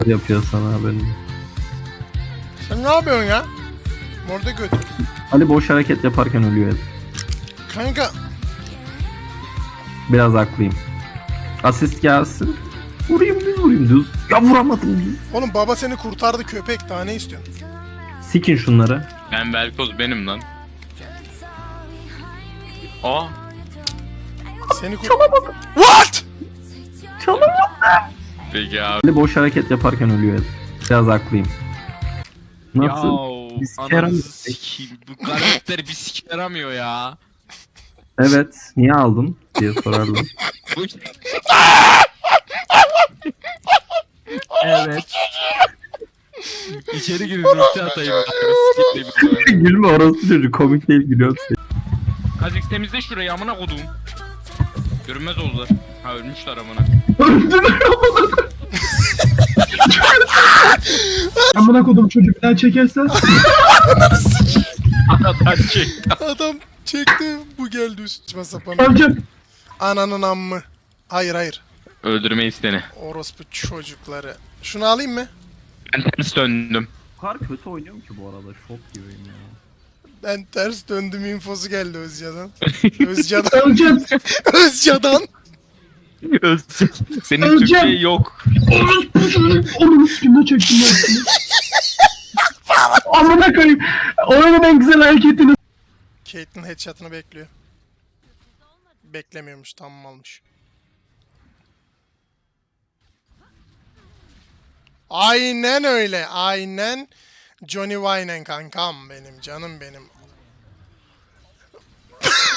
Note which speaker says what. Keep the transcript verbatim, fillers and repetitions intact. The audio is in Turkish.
Speaker 1: Yapıyor sana haberini.
Speaker 2: Sen ne yapıyorsun ya? Orada götür.
Speaker 1: Ali boş hareket yaparken ölüyor hep.
Speaker 2: Kanka.
Speaker 1: Biraz haklıyım. Asist gelsin. Vurayım düz vurayım düz. Ya vuramadım düz.
Speaker 2: Oğlum baba seni kurtardı köpek, daha ne istiyorsun?
Speaker 1: Sikin şunları.
Speaker 3: Ben Velkoz benim lan. Aa.
Speaker 2: Seni kur... What?
Speaker 1: Çalamadım.
Speaker 3: Peki abi.
Speaker 1: Ali boş hareket yaparken ölüyor hep. Biraz haklıyım. Nasıl?
Speaker 3: Yauu.
Speaker 1: Bir sike yaramıyor.
Speaker 3: Ananızı sikeyim. Bu karakter bir sike yaramıyor ya.
Speaker 1: Evet. Niye aldın diye sorardım.
Speaker 3: Bu... evet. İçeri girin ulti atayım. Ben bir sikeyim.
Speaker 1: Gülme orası çocuk. Komik değil gülüyor.
Speaker 3: Kazix temizle şurayı amına kodum. Görünmez oldular. Ha ölmüşler amına.
Speaker 4: Amına kodum çocuğu bir daha çekersen.
Speaker 3: Adam çekti.
Speaker 2: Adam çekti, bu geldi üstüme sapan.
Speaker 4: Amcam.
Speaker 2: Ananın ammı. Hayır hayır.
Speaker 3: Öldürmeyi seni.
Speaker 2: Orospu çocukları. Şunu alayım mı?
Speaker 3: Ben ters döndüm.
Speaker 1: O kadar kötü oynuyorum ki bu arada. Şok gibiyim ya.
Speaker 2: Ben ters döndüm infosu geldi Özca'dan. Özca'dan.
Speaker 4: Amcam.
Speaker 2: Özca'dan.
Speaker 3: Özsek. Senin
Speaker 4: Öleceğim.
Speaker 3: Türkiye yok.
Speaker 4: Onun üstünde çektim ben seni. Amına koyayım. Oyunun en güzel hareketini.
Speaker 2: Caitlyn headshot'ını bekliyor. Beklemiyormuş, tamam almış. Aynen öyle, aynen. Johnny Wayne kankam benim, canım benim.